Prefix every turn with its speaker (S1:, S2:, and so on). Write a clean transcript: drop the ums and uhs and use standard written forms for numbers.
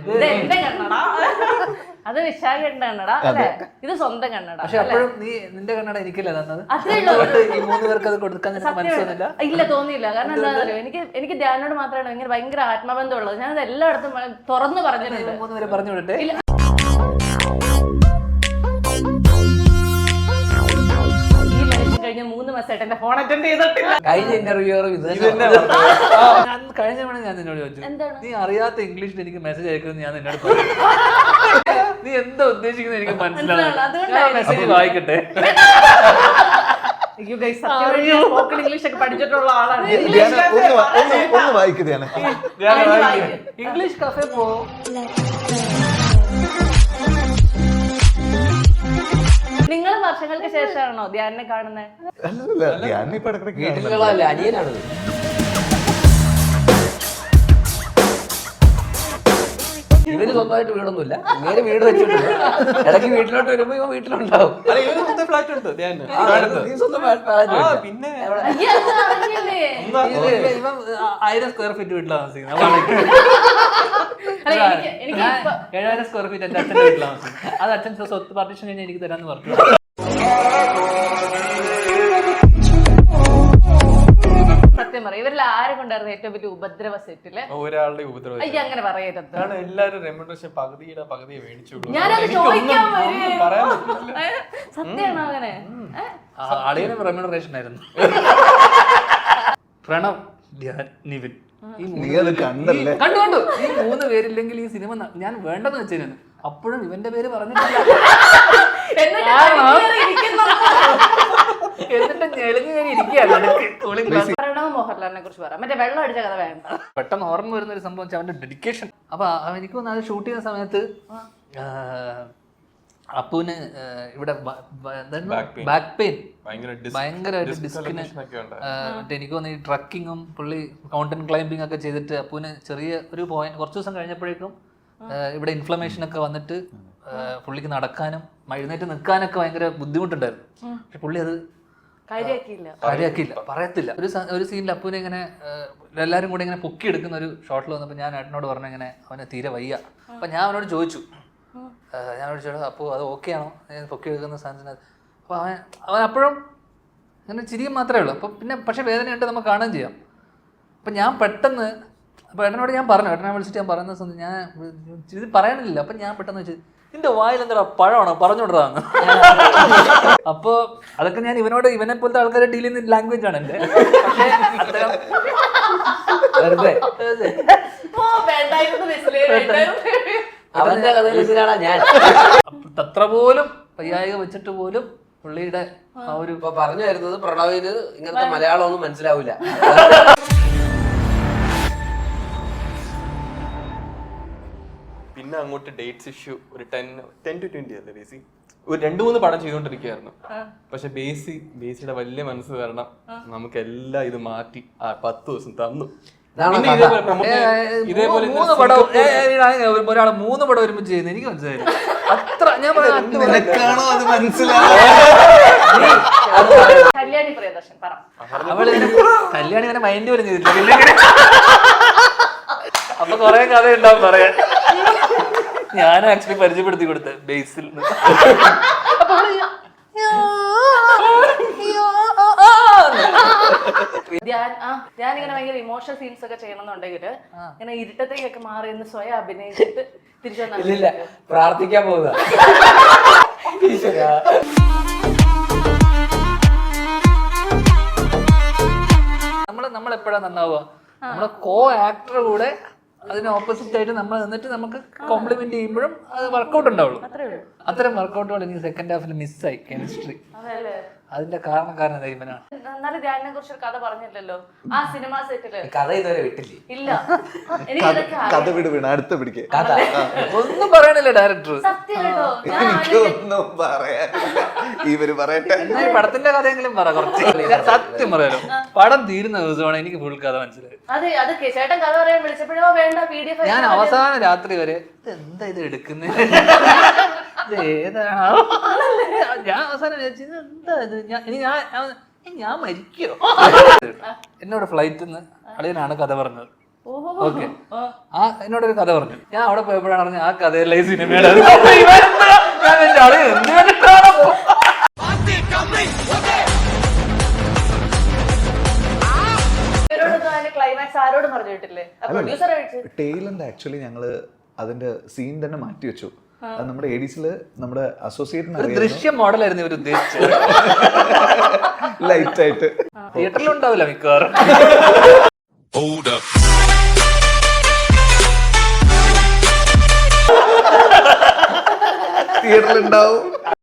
S1: ഇത് എന്റെ കണ്ണട, അത് വിശാഖന്റെ കണ്ണട അല്ലെ, ഇത് സ്വന്തം കണ്ണട.
S2: പക്ഷെ അപ്പോഴും നീ നിന്റെ കണ്ണട എനിക്കല്ലേ തന്നത്? ഈ 3 പേർക്ക് അത് കൊടുക്കാൻ മനസ്സിലാവുന്നില്ല.
S1: ഇല്ല, തോന്നിയില്ല. കാരണം എന്താണെന്നറിയോ, എനിക്ക് ധ്യാനോട് മാത്രമാണ് ഭയങ്കര ആത്മബന്ധമുള്ളത്. ഞാനത് എല്ലായിടത്തും തുറന്നു പറഞ്ഞിട്ടുണ്ട്.
S2: 3 പേരെ പറഞ്ഞു വിടട്ടെ.
S1: കഴിഞ്ഞ 3 മാസമായിട്ട് എന്റെ ഫോൺ അറ്റൻഡ് ചെയ്തിട്ടില്ല.
S3: കഴിഞ്ഞ ഇന്റർവ്യൂ
S2: കഴിഞ്ഞ തവണ ഞാൻ നിന്നോട് ചോദിച്ചു, നീ അറിയാത്ത ഇംഗ്ലീഷിൽ എനിക്ക് മെസ്സേജ് അയക്കുന്നത് ഞാൻ നിന്നോട് പറഞ്ഞു. നീ എന്താ ഉദ്ദേശിക്കുന്നത് എനിക്ക് മനസ്സിലാവും. മെസ്സേജ് വായിക്കട്ടെ.
S1: സ്പോക്കൺ ഇംഗ്ലീഷ് ഒക്കെ പഠിച്ചിട്ടുള്ള ആളാണ്.
S2: ഇംഗ്ലീഷ് കഫേ പോ.
S1: നിങ്ങൾ വർഷങ്ങൾക്ക് ശേഷമാണോ ധ്യാനെ കാണുന്നത്?
S3: വീട്ടിലുള്ളതല്ലേ, അനിയനാണത്. ഇവന് സ്വന്തമായിട്ട് വീടൊന്നുമില്ല, ഇങ്ങനെ വീട് വെച്ചിട്ടില്ല. ഇടയ്ക്ക് വീട്ടിലോട്ട് വരുമ്പോ ഇവ വീട്ടിലുണ്ടാവും.
S4: ഫ്ലാറ്റ് ഉണ്ട്
S3: നീ സ്വന്തം
S4: പിന്നെ
S2: 1000 സ്ക്വയർ ഫീറ്റ് വീട്ടിലാണ് താമസിക്കുന്നത്. 7000 സ്ക്വയർ ഫീറ്റ് എന്റെ അച്ഛൻ്റെ വീട്ടിലാണ് താമസിക്കുന്നത്. അത് അച്ഛൻ സ്വത്ത് പാർട്ടീഷൻ കഴിഞ്ഞാൽ എനിക്ക് തരാന്ന് പറഞ്ഞു.
S1: സത്യം പറയും, ഇവരിൽ ആരെ കൊണ്ടായിരുന്നു ഏറ്റവും വലിയ ഉപദ്രവ സെറ്റില്?
S4: ഒരാളുടെ ഉപദ്രവം
S1: അങ്ങനെ പറയരുത്.
S4: കാരണം എല്ലാരും റെമ്യൂണറേഷൻ പകുതിയെ മേടിച്ചോളൂ.
S1: ഞാനത് ചോദിക്കാൻ സത്യമാണോ അങ്ങനെ?
S2: അളിയനും റെമ്യൂണറേഷൻ ആയിരുന്നു. പ്രണവ്, നിവിൻ, കണ്ടു. ഈ 3 പേരില്ലെങ്കിൽ ഈ സിനിമ ഞാൻ വേണ്ടെന്ന് വെച്ചിരുന്നു. അപ്പോഴും ഇവന്റെ പേര് പറഞ്ഞിട്ടില്ല. എന്നിട്ട് ഞെളിഞ്ഞു കയറി ഇരിക്കുകയാണ്.
S1: പ്രണവ് മോഹൻലാലിനെ കുറിച്ച് പറയാം. മറ്റേ വെള്ളം അടിച്ച കഥ വേണ്ട.
S2: പെട്ടെന്ന് ഓർമ്മ വരുന്ന ഒരു സംഭവം അവന്റെ ഡെഡിക്കേഷൻ. അപ്പൊ എനിക്ക് തോന്നുന്നു അത് ഷൂട്ട് ചെയ്യുന്ന സമയത്ത് അപ്പുവിന് ഇവിടെ ബാക്ക് പെയിൻ ഭയങ്കരമായിട്ട് ഡിസ്കിന് മറ്റേ എനിക്ക് തോന്നുന്നു ഈ ട്രക്കിങ്ങും പുള്ളി മൗണ്ടൻ ക്ലൈംബിംഗ് ഒക്കെ ചെയ്തിട്ട് അപ്പുവിന് ചെറിയ ഒരു പോയിന്റ് കുറച്ച് ദിവസം കഴിഞ്ഞപ്പോഴേക്കും ഇവിടെ ഇൻഫ്ലമേഷൻ ഒക്കെ വന്നിട്ട് പുള്ളിക്ക് നടക്കാനും എഴുന്നേറ്റ് നിൽക്കാനൊക്കെ ഭയങ്കര ബുദ്ധിമുട്ടുണ്ടായിരുന്നു. പക്ഷെ പുള്ളി അത് കാര്യാക്കിയില്ല, പറയത്തില്ല. ഒരു സീനിൽ അപ്പുവിനെ ഇങ്ങനെ എല്ലാവരും കൂടെ ഇങ്ങനെ പൊക്കി എടുക്കുന്ന ഒരു ഷോട്ടിൽ വന്നപ്പോൾ ഞാൻ ഏട്ടനോട് പറഞ്ഞു ഇങ്ങനെ അവനെ തീരെ വയ്യ. അപ്പം ഞാൻ അവനോട് ചോദിച്ചു, അപ്പോൾ അത് ഓക്കെ ആണോ പൊക്കി എടുക്കുന്ന സാധനത്തിന്? അപ്പോൾ അവൻ അപ്പോഴും അങ്ങനെ ചിരിയും മാത്രമേ ഉള്ളൂ. അപ്പം പിന്നെ പക്ഷേ വേദനയുണ്ട്, നമുക്ക് കാണുകയും ചെയ്യാം. അപ്പം ഞാൻ പെട്ടെന്ന് അപ്പോൾ ഏട്ടനോട് ഞാൻ പറഞ്ഞു, ഏട്ടനെ വിളിച്ചിട്ട് ഞാൻ പറയുന്ന സമയത്ത് ഞാൻ ഇത് പറയാനില്ല. അപ്പം ഞാൻ പെട്ടെന്ന് വെച്ച്, നിന്റെ വായിൽ എന്താ പഴമാണോ പറഞ്ഞുകൊണ്ടിരാന്ന്. അപ്പോൾ അതൊക്കെ ഞാൻ ഇവനെ പോലത്തെ ആൾക്കാരെ ഡീൽ ചെയ്യുന്ന ലാംഗ്വേജ് ആണ് എൻ്റെ. പക്ഷേ അത്ര പോലും വയ്യായിക വെച്ചിട്ട് പോലും പുള്ളിയുടെ ആ ഒരു
S3: പറഞ്ഞു വരുന്നത് പ്രണവിന് ഇങ്ങനത്തെ മലയാളം ഒന്നും മനസ്സിലാവില്ല.
S4: പിന്നെ അങ്ങോട്ട് ഡേറ്റ്സ് ഇഷ്യൂ ഒരു 10 to 20 അല്ലേ ബേസി, ഒരു 2-3 പടം ചെയ്തുകൊണ്ടിരിക്കുകയായിരുന്നു. പക്ഷെ ബേസിയുടെ വലിയ മനസ്സ് കാരണം നമുക്ക് എല്ലാം ഇത് മാറ്റി 10 ദിവസം തന്നു.
S2: ഇതേപോലെ 3 പടം ഒരാള് 3 പടം ഒരുമിച്ച് ചെയ്യുന്നത് എനിക്ക് മനസ്സിലായി. അത്ര ഞാൻ കല്യാണി ഇങ്ങനെ മൈൻഡ് പോലും ചെയ്തിട്ടില്ല. അപ്പൊ കൊറേ കഥ ഉണ്ടാവും പറയാൻ. ഞാൻ ആക്ച്വലി പരിചയപ്പെടുത്തി കൊടുത്ത ബേസിൽ
S1: ഞാനിങ്ങനെ ഭയങ്കര ഇമോഷണൽ സീൻസ് ഒക്കെ ചെയ്യണമെന്നുണ്ടെങ്കിൽ ഇങ്ങനെ ഇരുട്ടത്തേക്കൊക്കെ മാറി എന്ന് സ്വയം അഭിനയിച്ചിട്ട് തിരിച്ചു
S3: വന്നില്ല, പ്രാർത്ഥിക്കാൻ പോകുക.
S2: നമ്മൾ എപ്പോഴാണ് നന്നാവുക? നമ്മളെ കോ ആക്ടർ കൂടെ അതിന് ഓപ്പോസിറ്റ് ആയിട്ട് നമ്മൾ നിന്നിട്ട് നമുക്ക് കോംപ്ലിമെന്റ് ചെയ്യുമ്പോഴും അത് വർക്കൗട്ട് ഉണ്ടാവുള്ളൂ. അത്തരം വർക്കൗട്ടുകൾ എനിക്ക് സെക്കൻഡ് ഹാഫിൽ മിസ്സായി. കെമിസ്ട്രി അതിന്റെ കാരണക്കാരൻ ഇവനാണ്.
S1: എന്നാലും ധ്യാനിനെ കുറിച്ച് ഒരു കഥ പറഞ്ഞില്ലല്ലോ ആ സിനിമ സെറ്റില്.
S3: കഥ ഇതുവരെ വിട്ടില്ലേ?
S1: ഇല്ല,
S5: അടുത്ത പിടിക്കേ
S2: ഒന്നും പറയണില്ല ഡയറക്ടർ.
S5: എനിക്കൊന്നും പറയാനില്ല, ഇവര് പറയട്ടെ.
S2: പടത്തിന്റെ കഥയെങ്കിലും പറ കുറച്ച്. സത്യം പറയാലോ, പടം തീരുന്ന ദിവസമാണ് എനിക്ക് ഫുൾ കഥ മനസ്സിലായത്. ഞാൻ അവസാന രാത്രി വരെ എന്താ ഇത് എടുക്കുന്നത്, ഏതാണോ ഞാൻ അവസാനം വിചാരിച്ചത് എന്താ ഇത്, ഞാൻ മരിക്കോ. എന്നോട് ഫ്ലൈറ്റിൽ നിന്ന് അളിയനാണ് കഥ പറഞ്ഞത്. ഓക്കെ എന്നോടൊരു കഥ പറഞ്ഞു. ഞാൻ അവിടെ പോയപ്പോഴാണ് പറഞ്ഞത് ആ കഥയല്ല ഈ സിനിമയുടെ. അപ്പൊ ഇവനെന്താ? ഞാൻ വിചാരിച്ചു, ആള് എന്ത് കണ്ടിട്ടാണോ?
S1: ക്ലൈമാക്സ് ആരോടും പറഞ്ഞു കേട്ടില്ലേ? പ്രൊഡ്യൂസർ
S5: ടെയിലെന്ത് ആക്ച്വലി ഞങ്ങള് അതിന്റെ സീൻ തന്നെ മാറ്റി വെച്ചു. അത് നമ്മുടെ എഡിസില് നമ്മുടെ അസോസിയേറ്റ്
S2: ദൃശ്യം മോഡലായിരുന്നു ഇവർ ഉദ്ദേശിച്ചത്.
S5: ലൈറ്റ് ആയിട്ട്
S2: തിയേറ്ററിലുണ്ടാവില്ല മിക്കവാറും.
S5: തിയേറ്ററിലുണ്ടാവും.